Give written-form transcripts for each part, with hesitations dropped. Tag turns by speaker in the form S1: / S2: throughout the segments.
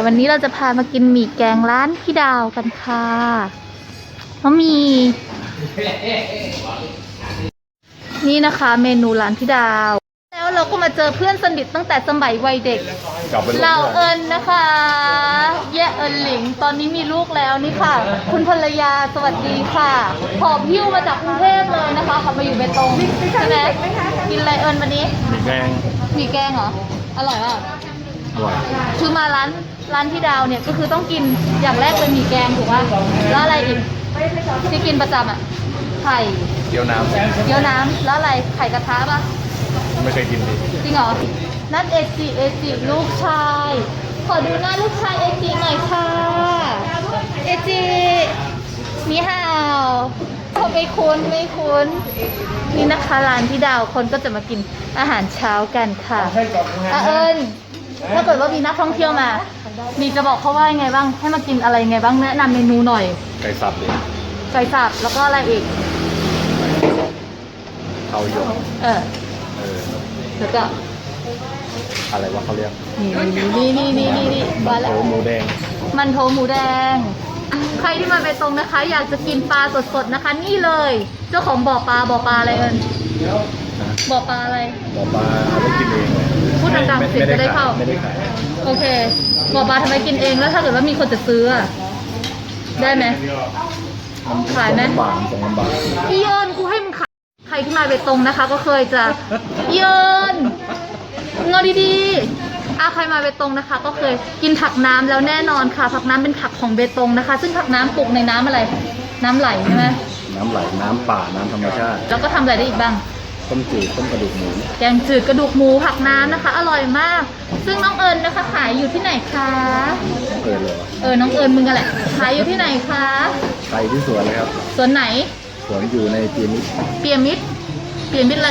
S1: วันนี้เราจะพามากินหมี่แกงร้านพี่ดาวกันค่ะเพราะมีนี่นะคะเมนูร้านพี่ดาวแล้วเราก็มาเจอเพื่อนสนิทตั้งแต่สมัยวัยเด็กเราเอิญนะคะแย่เอิญหลิงตอนนี้มีลูกแล้วนี่ค่ะคุณภรรยาสวัสดีค่ะหอบหิ้วมาจากกรุงเทพเลยนะคะขับมาอยู่เบตงใช่ไหมกินอะไรเอิญวันนี้
S2: หมี่แกง
S1: เหรออร่อยป่ะ
S2: อร่อย
S1: คือมาร้านพี่ดาวเนี่ยก็คือต้องกินอย่างแรกเป็นหมี่แกงถูกป่ะแล้วอะไรอีกที่กินประจำอ่ะไข่
S2: เกี๊ยวน้ำ
S1: แล้วอะไรไข่กระทะป่ะ
S2: ไม่เคยกินเลย
S1: จริงเหรอนั่นเอจิลูกชายขอดูหน้าลูกชายเอจิหน่อยค่ะเอจินี่ฮาวเขาไม่คุ้นนี่นะคะร้านพี่ดาวคนก็จะมากินอาหารเช้ากันค่ะเอิญถ้าเกิดว่ามีนักท่องเที่ยวมามีจะบอกเขาว่ายังไงบ้างให้มากินอะไรยังไงบ้างแนะนำเมนูหน่อย
S2: ไก่สับเลย
S1: ไก่สับแล้วก็อะไรอีก
S2: ข้าวหยก
S1: แล้วก็
S2: อะไรวะเขาเรียก
S1: นี่
S2: มันโถหมูแดง
S1: ใครที่มาไปตรงนะคะอยากจะกินปลาสดๆนะคะนี่เลยเจ้าของบ่อปลาอะไรเอิญบ่อปลาอะไร
S2: บ่อปลาเอาไปกินเอง
S1: พูดดังๆเสียงจะได้เข้า
S2: ไม่ได้ขาย
S1: โอเคบ่อปลาทำไมกินเองแล้วถ้าเกิดว่ามีคนจะซื้อได้ไหมขายไหม
S2: 2 บาท
S1: อีเอิญกูให้มึงขายใครที่มาไปตรงนะคะก็เคยจะอีเอิญงอดีๆใครมาเบตงนะคะก็เคยกินผักน้ำแล้วแน่นอนค่ะผักน้ำเป็นผักของเบตงนะคะซึ่งผักน้ำปลูกในน้ำอะไรน้ำไหลใช่ไหม
S2: น้ำไหลน้ำป่าน้ำธรรมชาติ
S1: แล้วก็ทำอะไรได้อีกบ้าง
S2: ต้มจืดต้มกระดูกหมู
S1: แกงจืดกระดูกหมูผักน้ำนะคะอร่อยมากซึ่งน้องเอิญนะคะขายอยู่ที่ไหนคะน้องเอิญมึงกันแหละขายอยู่ที่ไหนคะ
S2: ขายที่สวนเลยครับ
S1: สวนไหน
S2: สวนอยู่ในเปียมิด
S1: อะไรเปียมิด1เปียมิด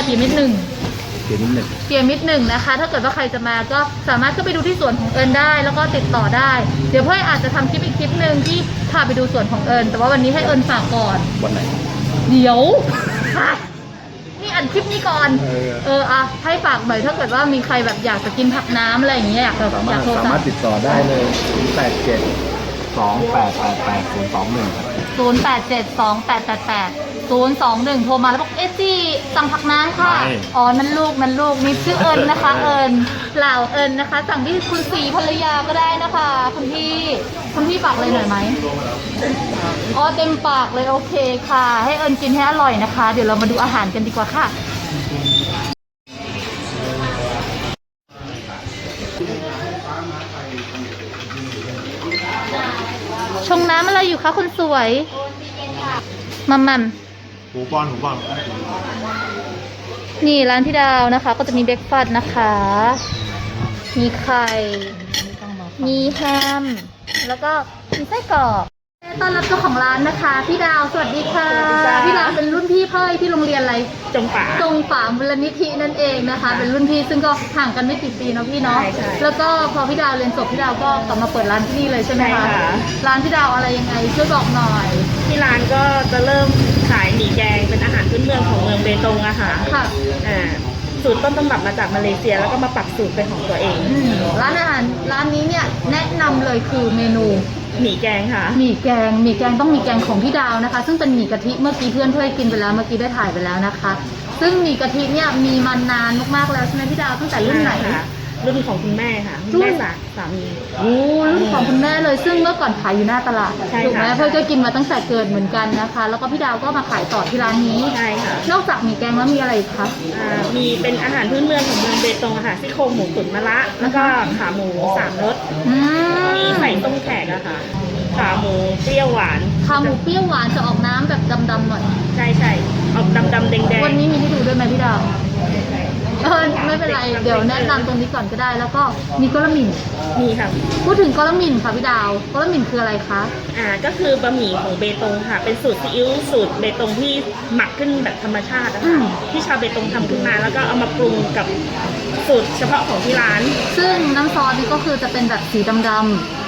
S1: 1นะคะถ้าเกิดว่าใครจะมาก็สามารถเข้าไปดูที่สวนของเอิญได้แล้วก็ติดต่อได้เดี๋ยวพ่ออาจจะทำคลิปอีกคลิปหนึ่งที่พาไปดูสวนของเอิญแต่ว่าวันนี้ให้เอิญฝากก่อน
S2: วันไหน
S1: เดี๋ยวนี่อัดคลิปนี้ก่อนให้ฝากหน่อยถ้าเกิดว่ามีใครแบบอยากจะกินผักน้ำอะไรอย่างเงี้ยอยากโทร
S2: สามารถติดต่อได้เลย
S1: 0872888 โทรมาแล้วบอกจีสั่งผักน้ำค่ะนั่นลูกนี่ชื่อเอิญนะคะเอิญเหล่าเอิญนะคะสั่งที่คุณสีภรรยาก็ได้นะคะคุณพี่ฝากเลยหน่อยไหมเต็มปากเลยโอเคค่ะให้เอิญกินให้อร่อยนะคะเดี๋ยวเรามาดูอาหารกันดีกว่าค่ะชงน้ำอะไรอยู่คะคุณสวยมัม
S2: หูป้อน
S1: นี่ร้านพี่ดาวนะคะก็จะมีเบรกฟาสต์นะคะมีไข่มีแฮมแล้วก็มีไส้กรอกต้อนรับเจ้าของร้านนะคะพี่ดาวสวัสดีค่ะพี่ดาวเป็นรุ่นพี่เพ่ที่โรงเรียนอะไร
S3: จง
S1: ฝามูลนิธินั่นเองนะคะเป็นรุ่นพี่ซึ่งก็ห่างกันไม่กี่ปีเนาะพี่เนาะแล้วก็พอพี่ดาวเรียนจบพี่ดาวก็กลับมาเปิดร้านที่นี่เลยใช่ไหมคะร้านพี่ดาวอะไรยังไงช่วยบอกหน่อย
S3: ที่ร้านก็จะเริ่มขายหมี่แกงเป็นอาหารพื้นเมืองของเมืองเบตงอะค่ะสูตรต้นตำรับมาจากมาเลเซียแล้วก็มาปรับสูตรเป็นของตัวเอง
S1: ร้านอาหารร้านนี้เนี่ยแนะนำเลยคือเมนู
S3: หมี่แกงค่ะ
S1: หมี่แกงต้องมีแกงของพี่ดาวนะคะซึ่งเป็นหมี่กะทิเมื่อกี้เพื่อนกินไปแล้วเมื่อกี้ได้ถ่ายไปแล้วนะคะซึ่งหมี่กะทิเนี่ยมีมานานมากๆแล้วใช่ไหมพี่ดาวตั้งแต่รุ่นไหน
S3: รุ่นของคุณแม่ค่ะคุณแม่สามี
S1: รุ่นของคุณแม่เลยซึ่งเมื่อก่อนขายอยู่หน้าตลาดถูกไหมเพื่อนก็กินมาตั้งแต่เกิดเหมือนกันนะคะแล้วก็พี่ดาวก็มาขายต่อที่ร้านนี้
S3: ใช่ค่ะ
S1: นอกจากหมี่แกงแล้วมีอะไรอีกคะ
S3: มีเป็นอาหารพื้นเมืองของเมืองเบตงค่ะซี่โครงหมูตุ๋นมะระแล้วก็ขาหมู3 รสมีไข่ต้มแขกอะค่ะขาหมูเปรี้ยวหวาน
S1: จะออกน้ำแบบดำๆหน่อย
S3: ใช่ออกดำๆแดง
S1: วันนี้มีให้ดูด้วยไหมพี่ดาวไม่เป็นไรเดี๋ยวแนะนำตรงนี้ก่อนก็ได้แล้วก็มีกะละหมี่
S3: มีค่ะ
S1: พูดถึงกะละหมี่ค่ะพี่ดาวกะละหมี่คืออะไรคะ
S3: ก็คือบะหมี่ของเบตงค่ะเป็นสูตรซีอิ๊วสูตรเบตงที่หมักขึ้นแบบธรรมชาตินะคะที่ชาวเบตงทำขึ้นมาแล้วก็เอามาปรุงกับสูตรเฉพาะของที่ร้าน
S1: ซึ่งน้ำซอสนี่ก็คือจะเป็นแบบสีดำ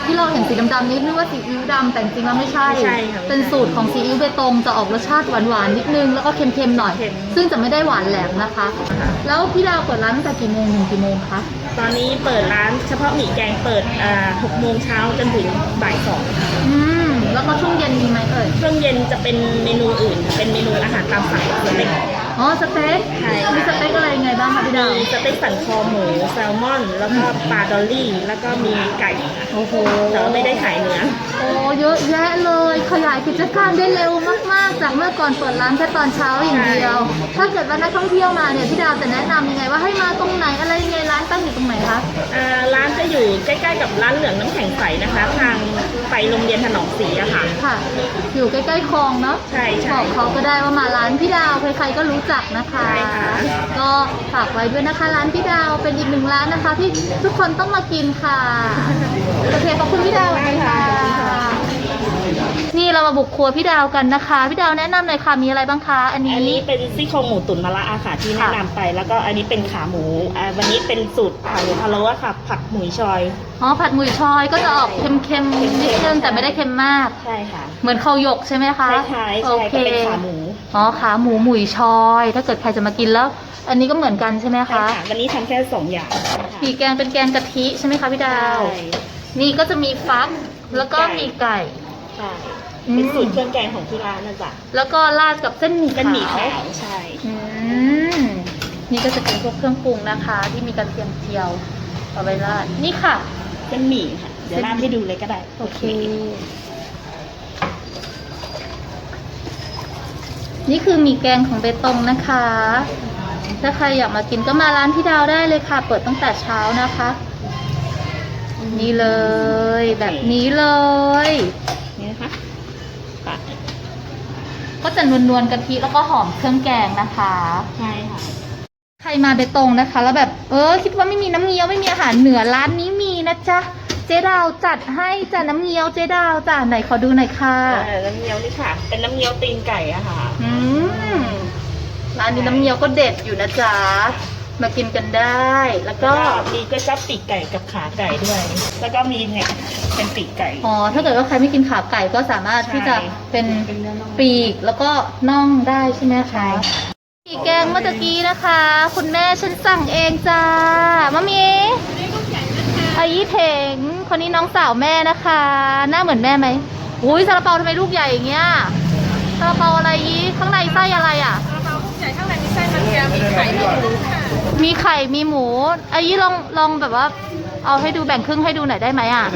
S1: ที่เราเห็นสีดำๆนี่นึกว่าซีอิ๊วดำแต่จริงๆแล้วไม่ใช่
S3: ไม่ใช่ค่ะ
S1: เป็นสูตรของซีอิ๊วเบตงจะออกรสชาติหวานๆนิดนึงแล้วก็เค็มๆหน่อย
S3: เค็ม
S1: ซึ่งจะไม่ได้หวานแหลมนะคะ แล้วพี่ดาวเปิดร้านตั้งแต่กี่โมงถึงกี่โมงคะ
S3: ตอนนี้เปิดร้านเฉพาะหมี่แกงเปิด6 โมงเช้าจนถึงบ่าย 2
S1: อืมแล้วก็ช่วงเย็นมีไหมเอ่ย
S3: ช่วงเย็นจะเป็นเมนูอื่น เป็นเมนูอาหารตามสั่งสเต็ก
S1: อ๋อสเต็ก
S3: ใช่ค่ะ
S1: มีสเต็กอะไรยังไงบ้างคะพี่ดาว
S3: มีสเต็กสันคอหมูแซลมอน แล้วก็ปลาดอลลี่ แล้วก็มีไก่
S1: โอ้โห
S3: แต่ว่าไม่ได้ขายเนื้อ
S1: โอ้เยอะแยะเลยขยายกิจการได้เร็วมากๆ จากเมื่อก่อนเปิดร้านแค่ตอนเช้าอย่างเดียว ถ้าเกิดว่านักท่องเที่ยวมาเนี่ยพี่ดาวจะแนะนำยังไงว่าให้มาตรงไหนอะไรยังไงร้านตั้งอยู่ตรงไหนคะ
S3: ร้านจะอยู่ใกล้ๆกับร้านเหลืองน้ำแข็งใสนะคะ ทางไปโรงเรียนถนอมศรีอะค่ะ
S1: ค่ะ อยู่ใกล้ๆคลองเนาะ
S3: ใช่ใช่
S1: บอกเขาก็ได้ว่ามาร้านพี่ดาวใครๆก็รู้จักนะคะ
S3: ใช่ค่ะ
S1: ก็ฝากไว้ด้วยนะคะ ร้านพี่ดาวเป็นอีกหนึ่งร้านนะคะ ที่ทุกคนต้องมากินค่ะโอเคขอบคุณพี่ดาวค่ะ นี่เรามาบุกครัวพี่ดาวกันนะคะ พี่ดาวแนะนำหน่อยค่ะมีอะไรบ้างคะอันนี้
S3: อันนี้เป็นซี่โครงหมูตุ๋นมะระอาค่ะที่แนะนำไป แล้วก็อันนี้เป็นขาหมูวันนี้เป็นสูตรขาหมูพะโล้อะค่ะ ผัดหมูชอย
S1: อ๋อผัดหมุยชอยก็จะออกเค็มๆนิดนึงแต่ไม่ได้เค็มมาก
S3: ใช่ค่ะ
S1: เหมือนข้าวหยกใช่ไหมคะ
S3: คล้ายๆ
S1: โอ
S3: ใช่
S1: เค
S3: ก็เป็นขาหมู
S1: อ๋อขาหมูหมุยชอย ถ้าเกิดใครจะมากินแล้ว อันนี้ก็เหมือนกันใช่ไหม
S3: ใช่
S1: คะ
S3: ค่ะ วันนี้ทำแค่2 อย่าง
S1: หมี่แกงเป็นแกงกะทิใช่ไหมคะพี่ดาว
S3: ใช่
S1: นี่ก็จะมีฟักแล้วก็มีไก่
S3: ใช่
S1: อืม
S3: เป็นสูตรเครื่องแกงของที่ร้านนะจ๊ะ
S1: แล้วก็ราดกับเส้นหมี่
S3: เป็นหมี่
S1: ขาว
S3: ขาวใช่
S1: อืมนี่ก็จะเป็นพวกเครื่องปรุงนะคะ ที่มีกระเทียมเจียวเอาไว้ราดนี่ค่ะ
S3: เป็นหมี่ค่ะ เดี๋ยวราดให้ดูเลยก็ได้
S1: โอเค นี่คือหมี่แกงของเบตงนะคะ ถ้าใครอยากมากินก็มาร้านพี่ดาวได้เลยค่ะ เปิดตั้งแต่เช้านะคะ นี่เลย แบบนี้เลย
S3: นี่นะคะค่ะ
S1: ก็จะนวลๆกะทิแล้วก็หอมเครื่องแกงนะคะ
S3: ใช่ค่ะ
S1: ใครมาเบตงนะคะ แล้วแบบคิดว่าไม่มีน้ำเงี้ยวไม่มีอาหารเหนือร้านนี้มีนะจ๊ะเจ๊ดาวจัดให้จ้ะน้ำเงี้ยวเจ๊ดาวจ้ะไหนขอดูหน่อยค่ะ
S3: น้ำเงี้ยวนี่ค่ะ เป็นน้ำเงี้ยวตีนไก่อะค่ะ
S1: อืมร้านนี้น้ำเงี้ยวก็เด็ดอยู่นะจ๊ะมากินกันได้ แล้วก็
S3: ก็มีก๋วยจั๊บปีกไก่กับขาไก่ด้วย แล้วก็มีเนี่ยเป็นปีกไก่
S1: อ๋อถ้าเกิดว่าใครไม่กินขาไก่ก็สามารถที่จะเป็นปีกแล้วก็น่องได้ใช่ไหม
S3: ใช่
S1: คะ
S3: ค่ะ
S1: ปีกแกงเมื่อตะกี้นะคะ คุณแม่ฉันสั่งเองจ้ามะมีอายี่เถงคนนี้น้องสาวแม่นะคะ หน้าเหมือนแม่ไหมอุ้ยซาลาเปาทำไมลูกใหญ่อย่างเงี้ยซาลาเปาอะไรยี่ข้างในไส้อะไรอ่ะ
S4: กระเพราลูกใหญ่ข้างในมีไส้มันแก้วมีไข่มีหมูค่ะ
S1: มีไข่มีหมูอายี่ลองแบบว่า เอาให้ดูแบ่งครึ่งให้ดูหน่อยได้ไหมอ่ะ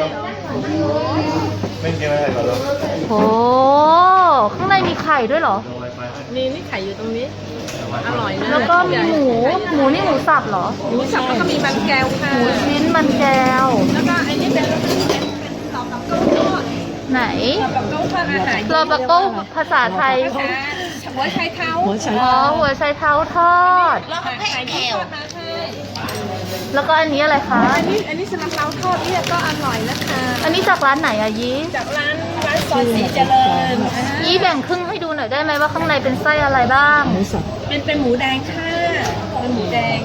S2: ไม่เกี่ยวอะไรก่อนหรอก
S1: โอ้ข้างในมีไข่ด้วยเหรอ
S4: นี่ไข่อยู่ตรงนี้ อร่อยนะ
S1: แล้วก็มีหมูนี่หมูสับเหรอ
S4: หมูสับแล้วก็มีมันแก้วค่ะ
S1: หมูชิ้นมันแก้ว
S4: แล้วก็ไอ้นี่เป็นหลอกกับเก้าทอด
S1: ไหน
S4: หลอกกับเก้าทอดอาหาร
S1: โรบักโก้ภาษาไทย
S4: หัวไชเท้า
S1: อ๋อหัวไชเท้าทอด
S4: แล้วก็ไข่แก้วมาให้
S1: แล้วก็อันนี้อะไรคะ
S4: อันนี้สลัดเท้าทอดเนี่ยก็อร่อยนะคะ
S1: อันนี้จากร้านไหนอะยี
S4: จากร้านซอยสีเจริญ
S1: ยีแบ่งครึ่งให้ดูหน่อยได้ไหมว่าข้างในเป็นไส้อะไรบ้าง
S4: เป็นหมูแดงค่ะเป็นหมูแดง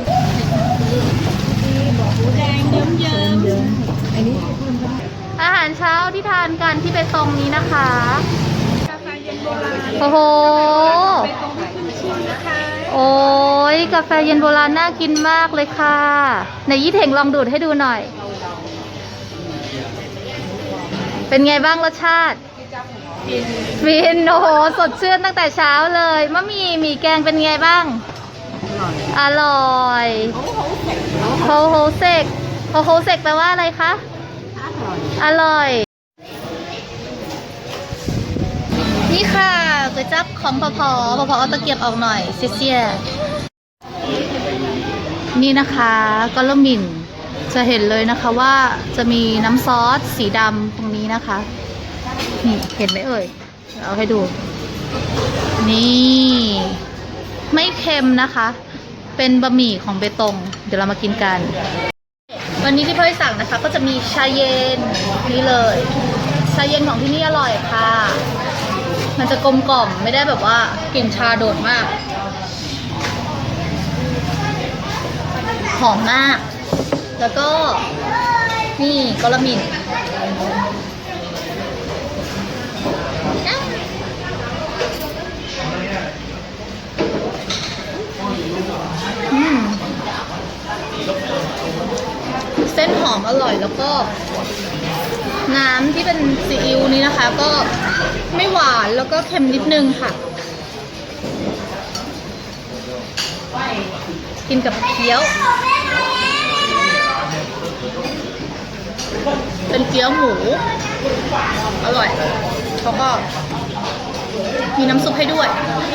S4: หมูแดงเยิ้มๆ
S1: อาหารเช้าที่ทานกันที่เบตงนี้นะคะ
S4: กาแฟเย็นโบราณ
S1: โอ้โห
S4: ไปตรงที่ขึ้นชื่อนะคะ
S1: โอ้ยกาแฟเย็นโบราณน่ากินมากเลยค่ะไหนยี่เถงลองดูดให้ดูหน่อย เป็นไงบ้างรสชาติฟินโอ้โหสดชื่นตั้งแต่เช้าเลยมะหมี่แกงเป็นไงบ้าง อร่อยโฮโฮเซกโฮโฮเซกแปลว่าอะไรคะอร่อย นี่ค่ะก๋วยจั๊บของพอเอาตะเกียบออกหน่อยเสียนี่นะคะก็ละหมิ่นจะเห็นเลยนะคะว่าจะมีน้ำซอสสีดำตรงนี้นะคะนี่เห็นไหมเอ่ยเอาให้ดู นี่ไม่เค็มนะคะ เป็นบะหมี่ของเบตงเดี๋ยวเรามากินกัน วันนี้ที่พ่อยสั่งนะคะก็จะมีชาเย็นนี่เลยชาเย็นของที่นี่อร่อยค่ะ มันจะกลมกล่อมไม่ได้แบบว่ากลิ่นชาโดดมาก หอมมาก แล้วก็นี่กะละหมิ่นเส้นหอมอร่อยแล้วก็น้ำที่เป็นซีอิ๊วนี้นะคะ ก็ไม่หวานแล้วก็เค็มนิดนึงค่ะ กินกับเกี๊ยว เป็นเกี๊ยวหมูอร่อยแล้วก็มีน้ำซุปให้ด้วย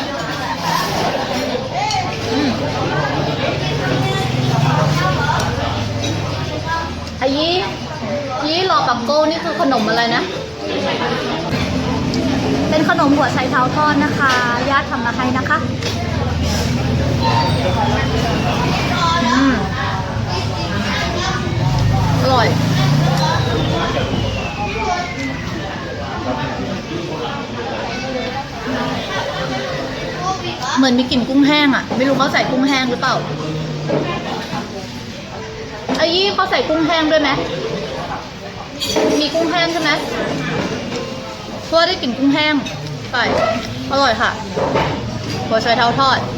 S1: อายี่รอกับโก้นี่คือขนมอะไรนะ เป็นขนมหัวไชเท้าทอดนะคะญาติทำมาให้นะคะอร่อยเหมือนมีกลิ่นกุ้งแห้งอ่ะไม่รู้เขาใส่กุ้งแห้งหรือเปล่าอายี่เขาใส่กุ้งแห้งด้วยไหมมีกุ้งแห้งใช่ไหมเพราะว่าได้กลิ่นกุ้งแห้งใส่อร่อยค่ะหัวไชเท้าทอด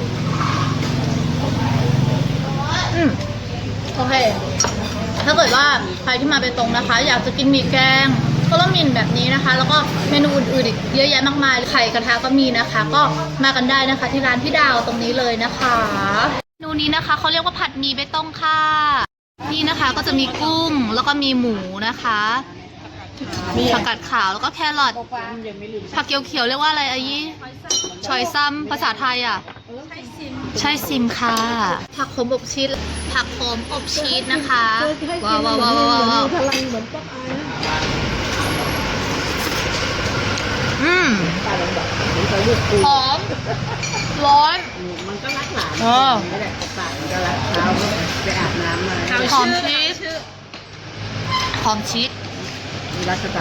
S1: โอเคถ้าเกิดว่าใครที่มาเบตงนะคะอยากจะกินหมี่แกงก็ต้องมินแบบนี้นะคะแล้วก็เมนูอื่นๆอีกเยอะแยะมากมายไข่กระทะก็มีนะคะ ก็มากันได้นะคะที่ร้านพี่ดาวตรงนี้เลยนะคะเมนูนี้นะคะเขาเรียกว่าผัดหมี่เบตงค่ะนี่นะคะก็จะมีกุ้งแล้วก็มีหมูนะคะผักกาดขาวแล้วก็แครอทผักเขียวๆเรียกว่าอะไรอายี่ชอยซัมภาษาไทยอ่ะใช่ซิมค่ะผักโขมอบชีสผักโขมอบชีสนะคะว้าวว้าวว้าวว้าว
S4: พลังเหมือนป๊อกอายนะ
S1: หอมร้อน
S4: มันก็รักหลาน
S1: เออ
S4: ไม่ได้ตายมันก็รักเช้าไปอาบน้ำมา
S1: หอมชีสหอมชีส
S4: รักส